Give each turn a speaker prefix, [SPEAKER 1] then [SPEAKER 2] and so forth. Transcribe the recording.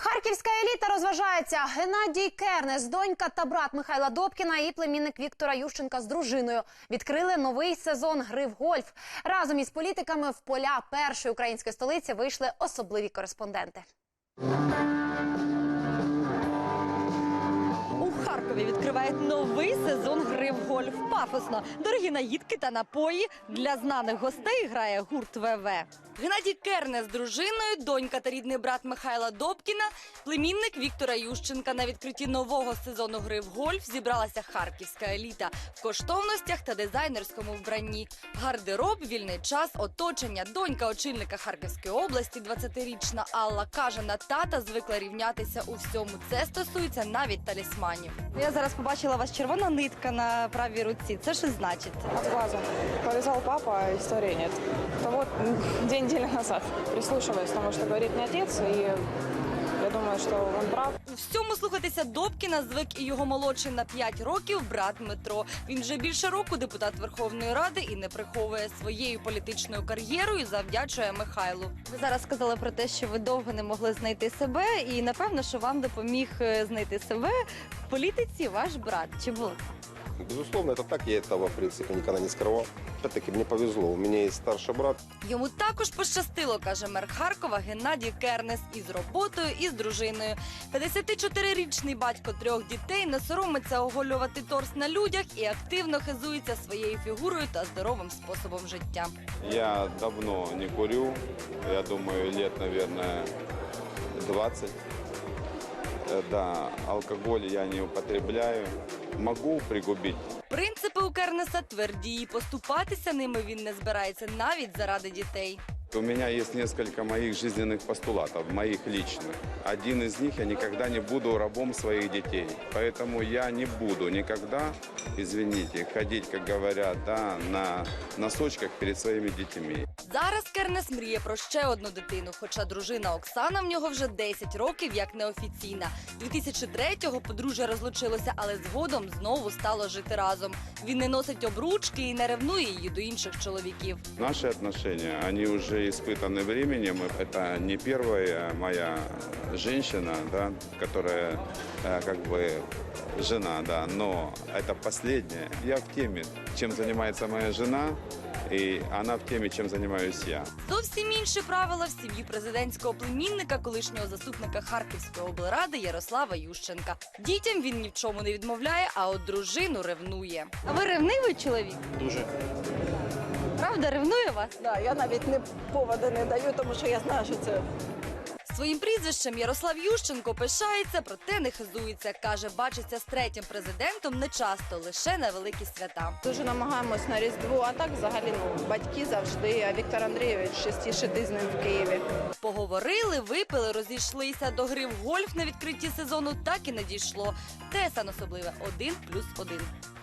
[SPEAKER 1] Харківська еліта розважається. Геннадій Кернес, донька та брат Михайла Добкіна і племінник Віктора Ющенка з дружиною відкрили новий сезон гри в гольф. Разом із політиками в поля першої української столиці вийшли особливі кореспонденти.
[SPEAKER 2] У Харкові відкривають новий сезон гри в гольф. Пафосно. Дорогі наїдки та напої. Для знаних гостей грає гурт ВВ. Геннадій Кернес з дружиною, донька та рідний брат Михайла Добкіна, племінник Віктора Ющенка. На відкритті нового сезону гри в гольф зібралася харківська еліта в коштовностях та дизайнерському вбранні. Гардероб, вільний час, оточення. Донька очільника Харківської області, 20-річна Алла, каже, на тата звикла рівнятися у всьому. Це стосується навіть талісманів. Я зараз побачила у вас червона нитка на правій руці. Це що значить?
[SPEAKER 3] От глаза. Повязал папа, а истории нет. Это вот две недели назад. Прислушиваюсь к тому, что говорит мне отец, и я думаю, что он прав.
[SPEAKER 2] У всьому слухатися Добкіна звик і його молодший на 5 років брат Дмитро. Він вже більше року депутат Верховної Ради і не приховує своєю політичною кар'єрою, завдячує Михайлу. Ви зараз сказали про те, що ви довго не могли знайти себе, і напевно, що вам допоміг знайти себе в політиці ваш брат. Чи було?
[SPEAKER 4] Безусловно, это так. Я этого, в принципе, никогда не скрывал. Опять-таки, мне повезло. У меня есть старший брат.
[SPEAKER 2] Йому також пощастило, каже мер Харкова Геннадій Кернес, із роботою, і з дружиною. 54-річний батько 3 дітей не соромиться оголювати торс на людях і активно хизується своєю фігурою та здоровим способом життя.
[SPEAKER 5] Я давно не курю. Я думаю, лет, наверное, 20. Да, алкоголь я не употребляю. Могу пригубить.
[SPEAKER 2] Принципи у Кернеса тверді, і поступатися ними він не збирається навіть заради дітей.
[SPEAKER 5] У меня есть несколько моих жизненных постулатов, моих личных. Один из них: я никогда не буду рабом своих детей. Поэтому я не буду никогда, извините, ходить, как говорят, да, на носочках перед своими детьми.
[SPEAKER 2] Зараз Кернес мріє про ще одну дитину, хоча дружина Оксана в нього вже 10 років як неофіційна. 2003-го подружжя розлучилося, але згодом знову стало жити разом. Він не носить обручки і не ревнує її до інших чоловіків.
[SPEAKER 5] Наши отношения, они уже испытаны временем. Это не первая моя женщина, да, которая как бы жена, да, но это последняя. Я в теме, чем занимается моя жена, і вона в темі, чим займаюся я.
[SPEAKER 2] Зовсім інші правила в сім'ї президентського племінника, колишнього заступника Харківської облради Ярослава Ющенка. Дітям він ні в чому не відмовляє, а от дружину ревнує. А ви ревнивий чоловік?
[SPEAKER 6] Дуже.
[SPEAKER 2] Правда, ревнує вас?
[SPEAKER 7] Да, я навіть поводу не даю, тому що я знаю, що це.
[SPEAKER 2] Своїм прізвищем Ярослав Ющенко пишається, проте не хизується. Каже, бачиться з 3-м президентом не часто, лише на великі свята.
[SPEAKER 7] Дуже намагаємось на Різдво, а так взагалі батьки завжди, а Віктор Андрійович частіше з ним в Києві.
[SPEAKER 2] Поговорили, випили, розійшлися. До гри в гольф на відкритті сезону так і не дійшло. ТСН особливе 1+1.